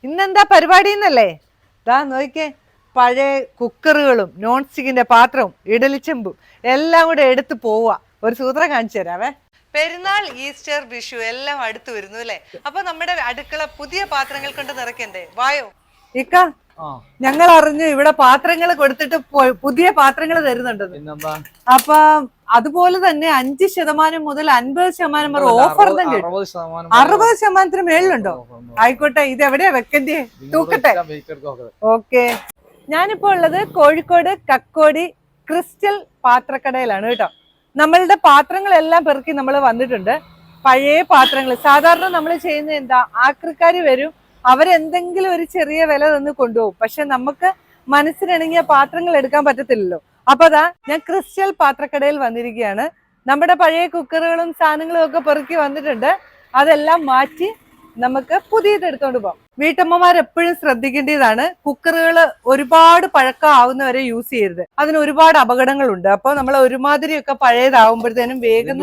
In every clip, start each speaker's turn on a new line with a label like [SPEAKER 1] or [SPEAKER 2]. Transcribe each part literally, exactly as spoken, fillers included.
[SPEAKER 1] ഇന്നെന്താ പരിപാടി എന്നല്ലേ? ദാ നോക്കിക്കേ, പഴയ കുക്കറുകളും നോൺ സ്റ്റിക്കിന്റെ പാത്രവും ഇഡലിച്ചെമ്പും എല്ലാം കൂടെ എടുത്ത് പോവുക. ഒരു സൂത്രം കാണിച്ചു തരാവേ. പെരുന്നാൾ, ഈസ്റ്റർ, വിഷു എല്ലാം അടുത്ത് വരുന്നു അല്ലേ? അപ്പൊ നമ്മുടെ അടുക്കള പുതിയ പാത്രങ്ങൾ കൊണ്ട് നിറയ്ക്കണ്ടേ? വായോ ഇക്ക, ഞങ്ങൾ അറിഞ്ഞു ഇവിടെ പാത്രങ്ങൾ കൊടുത്തിട്ട് പുതിയ പാത്രങ്ങൾ തരുന്നുണ്ടെന്ന്. അപ്പൊ അതുപോലെ തന്നെ അഞ്ച് ശതമാനം മുതൽ അൻപത് ശതമാനം വരെ ഓഫർ തന്നെ. അറുപത് ശതമാനത്തിന് മേളിലുണ്ടോ? ആയിക്കോട്ടെ, ഇത് എവിടെയാ വെക്കണ്ടേ? തൂക്കട്ടെ. ഓക്കെ, ഞാനിപ്പോ ഉള്ളത് കോഴിക്കോട് കക്കോടി ക്രിസ്റ്റൽ പാത്രക്കടയിലാണ് കേട്ടോ. നമ്മളുടെ പാത്രങ്ങളെല്ലാം പെറുക്കി നമ്മൾ വന്നിട്ടുണ്ട്. പഴയ പാത്രങ്ങൾ സാധാരണ നമ്മൾ ചെയ്യുന്നത് എന്താ, ആക്രിക്കാർ വരും, അവരെന്തെങ്കിലും ഒരു ചെറിയ വില തന്ന് കൊണ്ടുപോകും. പക്ഷെ നമുക്ക് മനസ്സിനിണങ്ങിയ പാത്രങ്ങൾ എടുക്കാൻ പറ്റത്തില്ലല്ലോ. അപ്പൊ അതാ ഞാൻ ക്രിസ്റ്റൽ പാത്രക്കടയിൽ വന്നിരിക്കുകയാണ്. നമ്മുടെ പഴയ കുക്കറുകളും സാധനങ്ങളും ഒക്കെ പെറുക്കി വന്നിട്ടുണ്ട്. അതെല്ലാം മാറ്റി നമുക്ക് പുതിയത് എടുത്തോണ്ട് പോകാം. വീട്ടമ്മമാർ എപ്പോഴും ശ്രദ്ധിക്കേണ്ടതാണ്, കുക്കറുകൾ ഒരുപാട് പഴക്കം ആവുന്നവരെ യൂസ് ചെയ്യരുത്. അതിന് ഒരുപാട് അപകടങ്ങളുണ്ട്. അപ്പൊ നമ്മൾ ഒരുമാതിരിയൊക്കെ പഴയതാവുമ്പോഴത്തേനും വേഗം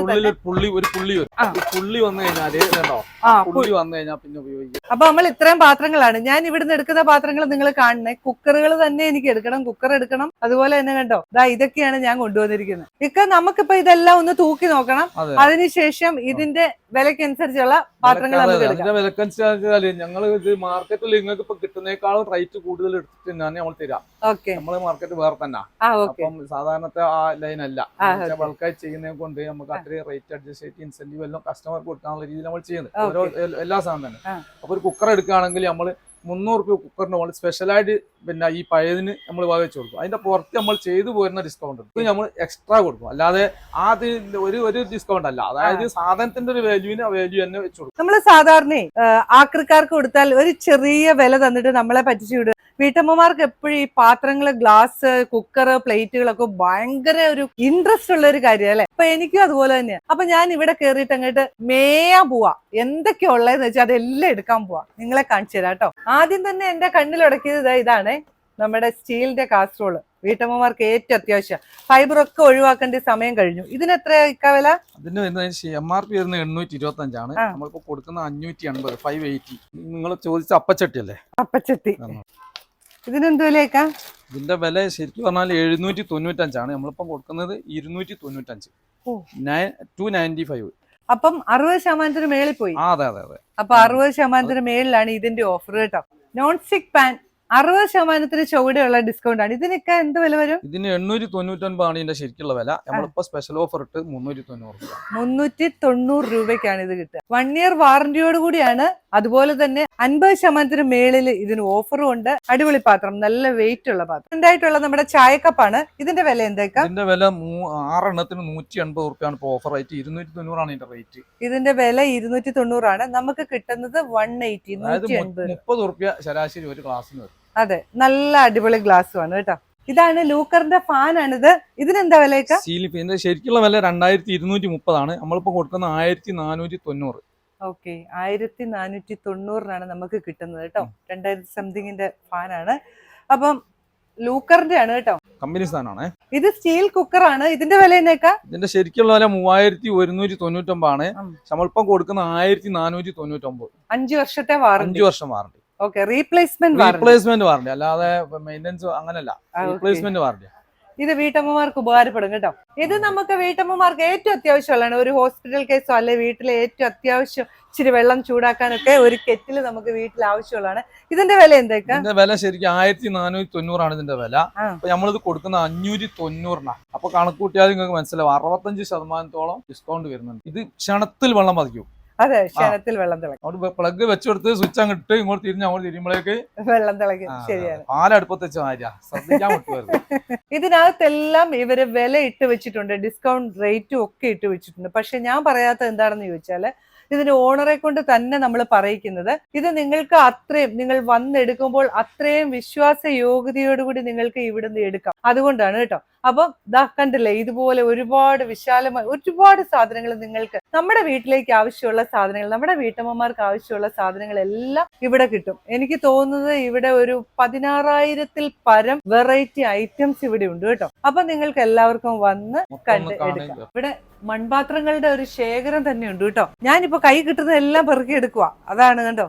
[SPEAKER 1] അപ്പൊ നമ്മൾ ഇത്രയും പാത്രങ്ങളാണ് ഞാൻ ഇവിടുന്ന് എടുക്കുന്ന പാത്രങ്ങൾ നിങ്ങൾ കാണണേ. കുക്കറുകൾ തന്നെ എനിക്ക് എടുക്കണം, കുക്കർ എടുക്കണം. അതുപോലെ തന്നെ കണ്ടോ, ദാ ഇതൊക്കെയാണ് ഞാൻ കൊണ്ടുവന്നിരിക്കുന്നത്. ഇക്ക, നമുക്കിപ്പോ ഇതെല്ലാം ഒന്ന് തൂക്കി നോക്കണം. അതിനുശേഷം ഇതിന്റെ വിലക്കനുസരിച്ചുള്ള പാത്രങ്ങൾ നമുക്ക് എടുക്കാം.
[SPEAKER 2] മാർക്കറ്റിൽ നിങ്ങൾക്ക് ഇപ്പൊ കിട്ടുന്നേക്കാളും റേറ്റ് കൂടുതൽ എടുത്തിട്ട് തന്നെയാണ് നമ്മൾ തരാം. നമ്മള് മാർക്കറ്റ് വേറെ തന്നെ. അപ്പം സാധാരണത്തെ ആ ലൈൻ അല്ല, ബൾക്കായി ചെയ്യുന്നതിനെ കൊണ്ട് നമുക്ക് അത്രയും റേറ്റ് അഡ്ജസ്റ്റ് ചെയ്ത് ഇൻസെന്റീവ് എല്ലാം കസ്റ്റമർക്ക് കൊടുക്കാനുള്ള രീതിയിൽ നമ്മൾ ചെയ്യുന്നത് ഓരോ എല്ലാ സാധനം തന്നെ. അപ്പൊ ഒരു കുക്കർ എടുക്കുകയാണെങ്കിൽ നമ്മള് മുന്നൂറ് രൂപ കുക്കറിന് നമ്മൾ സ്പെഷ്യലായിട്ട് പിന്നെ ഈ പഴയതിന് നമ്മൾ വകവെച്ച് കൊടുക്കും. അതിന്റെ പുറത്ത് നമ്മൾ ചെയ്തു പോരുന്ന ഡിസ്കൗണ്ട് ഇത് നമ്മൾ എക്സ്ട്രാ കൊടുക്കും. അല്ലാതെ ആദ്യം ഒരു ഒരു ഡിസ്കൗണ്ട് അല്ല, അതായത് സാധനത്തിന്റെ ഒരു വാല്യൂവിന് വാല്യൂ തന്നെ വെച്ച് കൊടുക്കും.
[SPEAKER 1] നമ്മൾ സാധാരണ ആക്രിക്കാർക്ക് കൊടുത്താൽ ഒരു ചെറിയ വില തന്നിട്ട് നമ്മളെ പറ്റിച്ചു വിടും. വീട്ടമ്മമാർക്ക് എപ്പോഴും ഈ പാത്രങ്ങള്, ഗ്ലാസ്, കുക്കർ, പ്ലേറ്റുകളൊക്കെ ഭയങ്കര ഒരു ഇൻട്രസ്റ്റ് ഉള്ള ഒരു കാര്യം അല്ലെ? അപ്പൊ എനിക്കും അതുപോലെ തന്നെയാണ്. അപ്പൊ ഞാൻ ഇവിടെ കേറിയിട്ട് അങ്ങോട്ട് മേയാൻ പോവാ. എന്തൊക്കെയാ ഉള്ളതെന്ന് വെച്ചാൽ അതെല്ലാം എടുക്കാൻ പോവാ. നിങ്ങളെ കാണിച്ചു തരാം കേട്ടോ. ആദ്യം തന്നെ എന്റെ കണ്ണിലുടക്കിയത് ഇതാണ് നമ്മുടെ സ്റ്റീലിന്റെ കാസറോള്. വീട്ടമ്മമാർക്ക് ഏറ്റവും അത്യാവശ്യം. ഫൈബർ ഒക്കെ ഒഴിവാക്കേണ്ട സമയം കഴിഞ്ഞു. ഇതിന് എത്രയാ ഇക്ക വില?
[SPEAKER 2] അതിന് എം ആർ പി വരുന്നത് എണ്ണൂറ്റി ഇരുപത്തി അഞ്ചാണ്. നമ്മളിപ്പോ കൊടുക്കുന്ന അഞ്ഞൂറ്റി അൻപത് ഫൈവ് എയ്റ്റി. നിങ്ങൾ ചോദിച്ച അപ്പച്ചട്ടി അല്ലേ?
[SPEAKER 1] അപ്പച്ചട്ടി. ഇതിനെന്ത് വിലയേക്കാ?
[SPEAKER 2] ഇതിന്റെ വില ശരിക്കും പറഞ്ഞാൽ എഴുന്നൂറ്റി തൊണ്ണൂറ്റഞ്ചാണ്. നമ്മളിപ്പം കൊടുക്കുന്നത് ഇരുന്നൂറ്റി തൊണ്ണൂറ്റഞ്ച്, ടു നയൻറ്റി ഫൈവ്.
[SPEAKER 1] അപ്പം അറുപത് ശതമാനത്തിന് മേളിൽ പോയി.
[SPEAKER 2] അതെ അതെ അതെ.
[SPEAKER 1] അപ്പൊ അറുപത് ശതമാനത്തിന് മേളിലാണ് ഇതിന്റെ ഓഫർ കേട്ടോ. നോൺ സ്റ്റിക് പാൻ അറുപത് ശതമാനത്തിന് ചുവടെയുള്ള ഡിസ്കൗണ്ട് ആണ്. ഇതിനൊക്കെ എന്ത് വില വരും?
[SPEAKER 2] ഇതിന് എണ്ണൂറ്റി തൊണ്ണൂറ്റൊൻപതാണ് ഇതിന്റെ ശരിക്കുള്ള വില. നമ്മളിപ്പോ സ്പെഷ്യൽ ഓഫർ ഇട്ട് മുന്നൂറ്റി തൊണ്ണൂറ് രൂപ
[SPEAKER 1] മുന്നൂറ്റി തൊണ്ണൂറ് രൂപയ്ക്കാണ് ഇത് കിട്ടുക. വൺ ഇയർ വാറന്റിയോട് കൂടിയാണ്. അതുപോലെ തന്നെ അൻപത് ശതമാനത്തിന് മേളിൽ ഇതിന് ഓഫറും ഉണ്ട്. അടിപൊളി പാത്രം, നല്ല വെയിറ്റ് ഉള്ള പാത്രം. ഉണ്ടായിട്ടുള്ള നമ്മുടെ ചായക്കപ്പാണ്. ഇതിന്റെ വില എന്തൊക്കെ?
[SPEAKER 2] ഇതിന്റെ വില ആറെണ്ണത്തിന് നൂറ്റി എൺപത് റുപ്യാണ് ഇപ്പൊ ഓഫർ ആയിട്ട്. ഇരുന്നൂറ്റി തൊണ്ണൂറാണ് ഇതിന്റെ റേറ്റ്.
[SPEAKER 1] ഇതിന്റെ വില ഇരുന്നൂറ്റി തൊണ്ണൂറാണ്. നമുക്ക് കിട്ടുന്നത് വൺ എയ്റ്റി, നൂറ്റി എൺപത്
[SPEAKER 2] മുപ്പത് റുപ്യ ശരാശരി ഒരു ഗ്ലാസിന് വരും.
[SPEAKER 1] അതെ, നല്ല അടിപൊളി ഗ്ലാസ് ആണ് കേട്ടോ. ഇതാണ് ലൂക്കറിന്റെ ഫാൻ ആണിത്. ഇതിനെന്താ വിലയൊക്കെ?
[SPEAKER 2] സീലിംഗ് ഇതിന്റെ ശരിക്കുള്ള വില രണ്ടായിരത്തി ഇരുന്നൂറ്റി മുപ്പതാണ്. നമ്മളിപ്പോ കൊടുക്കുന്ന ആയിരത്തി നാനൂറ്റി തൊണ്ണൂറ്.
[SPEAKER 1] ഓക്കെ, ആയിരത്തി നാനൂറ്റി തൊണ്ണൂറിനാണ് നമുക്ക് കിട്ടുന്നത് കേട്ടോ. രണ്ടായിരത്തി സംതിങ്ങിന്റെ ഫാനാണ്. അപ്പം ലൂക്കറിന്റെ ആണ് കേട്ടോ,
[SPEAKER 2] കമ്പനി സാധനമാണ്.
[SPEAKER 1] ഇത് സ്റ്റീൽ കുക്കറാണ്. ഇതിന്റെ വില എന്നേക്കാ?
[SPEAKER 2] ഇതിന്റെ ശരിക്കുള്ള വില മൂവായിരത്തി ഒരുന്നൂറ്റി തൊണ്ണൂറ്റൊമ്പതാണ്. നമ്മളിപ്പം കൊടുക്കുന്ന ആയിരത്തി നാനൂറ്റി തൊണ്ണൂറ്റൊമ്പത്.
[SPEAKER 1] അഞ്ചു വർഷത്തെ വാറന്റി.
[SPEAKER 2] അഞ്ചു വർഷം warranty.
[SPEAKER 1] Okay, replacement
[SPEAKER 2] replacement warranty, അല്ലാതെ മെയിൻ്റെനൻസ് അങ്ങനല്ല. Replacement warranty.
[SPEAKER 1] ഇത് വീട്ടമ്മമാർക്ക് ഉപകാരപ്പെടും കേട്ടോ. ഇത് നമുക്ക് വീട്ടമ്മമാർക്ക് ഏറ്റവും അത്യാവശ്യമുള്ളതാണ്. ഒരു ഹോസ്പിറ്റൽ കേസോ അല്ലെ വീട്ടിലെ ഏറ്റവും അത്യാവശ്യം ഇച്ചിരി വെള്ളം ചൂടാക്കാനൊക്കെ ഒരു കെറ്റിൽ നമുക്ക് വീട്ടിൽ ആവശ്യമുള്ളതാണ്. ഇതിന്റെ വില എന്തൊക്കെ?
[SPEAKER 2] ഇതിന്റെ വില ശരിക്കും ആയിരത്തി നാനൂറ്റി തൊണ്ണൂറാണ് ഇതിന്റെ വില. അപ്പൊ നമ്മളിത് കൊടുക്കുന്ന അഞ്ഞൂറ്റി തൊണ്ണൂറിനാണ്. അപ്പൊ കണക്ക് കൂട്ടിയാൽ നിങ്ങൾക്ക് മനസ്സിലാവും അറുപത്തഞ്ച് ശതമാനത്തോളം ഡിസ്കൗണ്ട് വരുന്നുണ്ട്. ഇത് ക്ഷണത്തിൽ വെള്ളം പതിക്കും.
[SPEAKER 1] അതെ, ക്ഷണത്തിൽ വെള്ളം തിളക്കും.
[SPEAKER 2] പ്ലഗ് വെച്ചെടുത്ത് സ്വിച്ച് അങ്ങോട്ട് ഇങ്ങോട്ട് തിരിഞ്ഞ് അങ്ങോട്ട് തിരിയുമ്പോഴേക്ക്
[SPEAKER 1] വെള്ളം തിളക്കും. ശരിയാണ്.
[SPEAKER 2] പാലടുപ്പത്ത് വെച്ച മാതിരിയാ, ശ്രദ്ധിക്കാൻ പറ്റുമായിരുന്നു.
[SPEAKER 1] ഇതിനകത്തെല്ലാം ഇവര് വില ഇട്ട് വെച്ചിട്ടുണ്ട്, ഡിസ്കൗണ്ട് റേറ്റും ഒക്കെ ഇട്ട് വെച്ചിട്ടുണ്ട്. പക്ഷെ ഞാൻ പറയാത്ത എന്താണെന്ന് ചോദിച്ചാല്, ഇതിന്റെ ഓണറെ കൊണ്ട് തന്നെ നമ്മൾ പറയിക്കുന്നത് ഇത് നിങ്ങൾക്ക് അത്രയും, നിങ്ങൾ വന്നെടുക്കുമ്പോൾ അത്രയും വിശ്വാസ യോഗ്യതയോടുകൂടി നിങ്ങൾക്ക് ഇവിടുന്ന് എടുക്കാം. അതുകൊണ്ടാണ് കേട്ടോ. അപ്പം ദാ കണ്ടില്ലേ, ഇതുപോലെ ഒരുപാട് വിശാലമായ ഒരുപാട് സാധനങ്ങൾ നിങ്ങൾക്ക് നമ്മുടെ വീട്ടിലേക്ക് ആവശ്യമുള്ള സാധനങ്ങൾ, നമ്മുടെ വീട്ടമ്മമാർക്ക് ആവശ്യമുള്ള സാധനങ്ങൾ എല്ലാം ഇവിടെ കിട്ടും. എനിക്ക് തോന്നുന്നത് ഇവിടെ ഒരു പതിനാറായിരത്തിൽ പരം വെറൈറ്റി ഐറ്റംസ് ഇവിടെ ഉണ്ട് കേട്ടോ. അപ്പൊ നിങ്ങൾക്ക് എല്ലാവർക്കും വന്ന് കണ്ട് എടുക്കാം. ഇവിടെ മൺപാത്രങ്ങളുടെ ഒരു ശേഖരം തന്നെയുണ്ട് കേട്ടോ. ഞാനിപ്പോ കൈ കിട്ടുന്നതെല്ലാം പെറുക്കി എടുക്കുക. അതാണ് കണ്ടോ.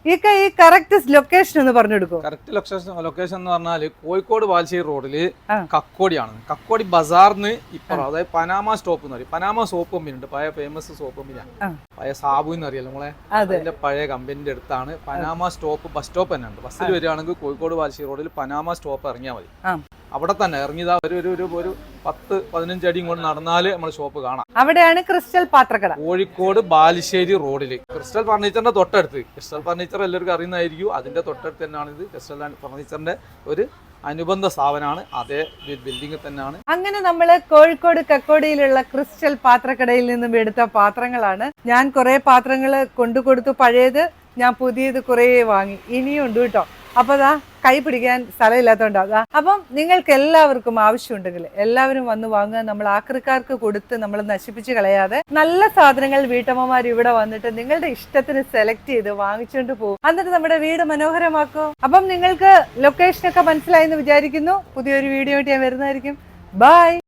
[SPEAKER 1] ഈ ഈ കറക്റ്റ് ലൊക്കേഷൻ ഒന്ന് പറഞ്ഞു കൊടുക്കും.
[SPEAKER 2] കറക്റ്റ് ലൊക്കേഷൻ ലൊക്കേഷൻ എന്ന് പറഞ്ഞാല് കോഴിക്കോട് ബാലുശ്ശേരി റോഡില് കക്കോടിയാണ്. കക്കോടി ബസാറിന് ഇപ്പുറം, അതായത് പനാമ സ്റ്റോപ്പ് എന്ന് പറയും. പനാമ സോപ്പ് കമ്പനി ഉണ്ട്, പഴയ ഫേമസ് സോപ്പ് കമ്പനിയാണ്. പഴയ സാബു എന്ന് അറിയാലോ നമ്മളെ, അതിന്റെ പഴയ കമ്പനിന്റെ അടുത്താണ് പനാമ സ്റ്റോപ്പ്. ബസ് സ്റ്റോപ്പ് തന്നെ ഉണ്ട്. ബസ്സിൽ വരികയാണെങ്കിൽ കോഴിക്കോട് ബാലുശ്ശേരി റോഡിൽ പനാമ സ്റ്റോപ്പ് ഇറങ്ങിയാൽ മതി. അവിടെ തന്നെ ഇറങ്ങിയതാ ഒരു ഒരു ഒരു പത്ത് പതിനഞ്ച് അടി കൊണ്ട് നടന്നാല് നമ്മൾ ഷോപ്പ് കാണാം.
[SPEAKER 1] അവിടെയാണ് ക്രിസ്റ്റൽ പാത്രക്കട,
[SPEAKER 2] കോഴിക്കോട് ബാലുശ്ശേരി റോഡില്. ക്രിസ്റ്റൽ ഫർണിച്ചറിന്റെ തൊട്ടടുത്ത്. ക്രിസ്റ്റൽ ഫർണിച്ചർ എല്ലാവർക്കും അറിയുന്നതായിരിക്കും. അതിന്റെ തൊട്ടടുത്ത് തന്നെയാണ് ഇത്. ക്രിസ്റ്റൽ ഫർണിച്ചറിന്റെ ഒരു അനുബന്ധ സ്ഥാപനമാണ്. അതേ ബിൽഡിംഗ് തന്നെയാണ്.
[SPEAKER 1] അങ്ങനെ നമ്മള് കോഴിക്കോട് കക്കോടിയിലുള്ള ക്രിസ്റ്റൽ പാത്രക്കടയിൽ നിന്നും എടുത്ത പാത്രങ്ങളാണ്. ഞാൻ കുറെ പാത്രങ്ങള് കൊണ്ടുകൊടുത്തു. പഴയത് ഞാൻ പുതിയത് കുറെ വാങ്ങി. ഇനിയും ഉണ്ട് കേട്ടോ. അപ്പൊ അതാ കൈ പിടിക്കാൻ സ്ഥലമില്ലാത്തോണ്ടാ. അപ്പം നിങ്ങൾക്ക് എല്ലാവർക്കും ആവശ്യമുണ്ടെങ്കിൽ എല്ലാവരും വന്ന് വാങ്ങുക. നമ്മൾ ആക്രിക്കാർക്ക് കൊടുത്ത് നമ്മൾ നശിപ്പിച്ച് കളയാതെ നല്ല സാധനങ്ങൾ വീട്ടമ്മമാർ ഇവിടെ വന്നിട്ട് നിങ്ങളുടെ ഇഷ്ടത്തിന് സെലക്ട് ചെയ്ത് വാങ്ങിച്ചുകൊണ്ട് പോകും. എന്നിട്ട് നമ്മുടെ വീട് മനോഹരമാക്കും. അപ്പം നിങ്ങൾക്ക് ലൊക്കേഷനൊക്കെ മനസ്സിലായെന്ന് വിചാരിക്കുന്നു. പുതിയൊരു വീഡിയോ ആയിട്ട് ഞാൻ വരുന്നതായിരിക്കും. ബൈ.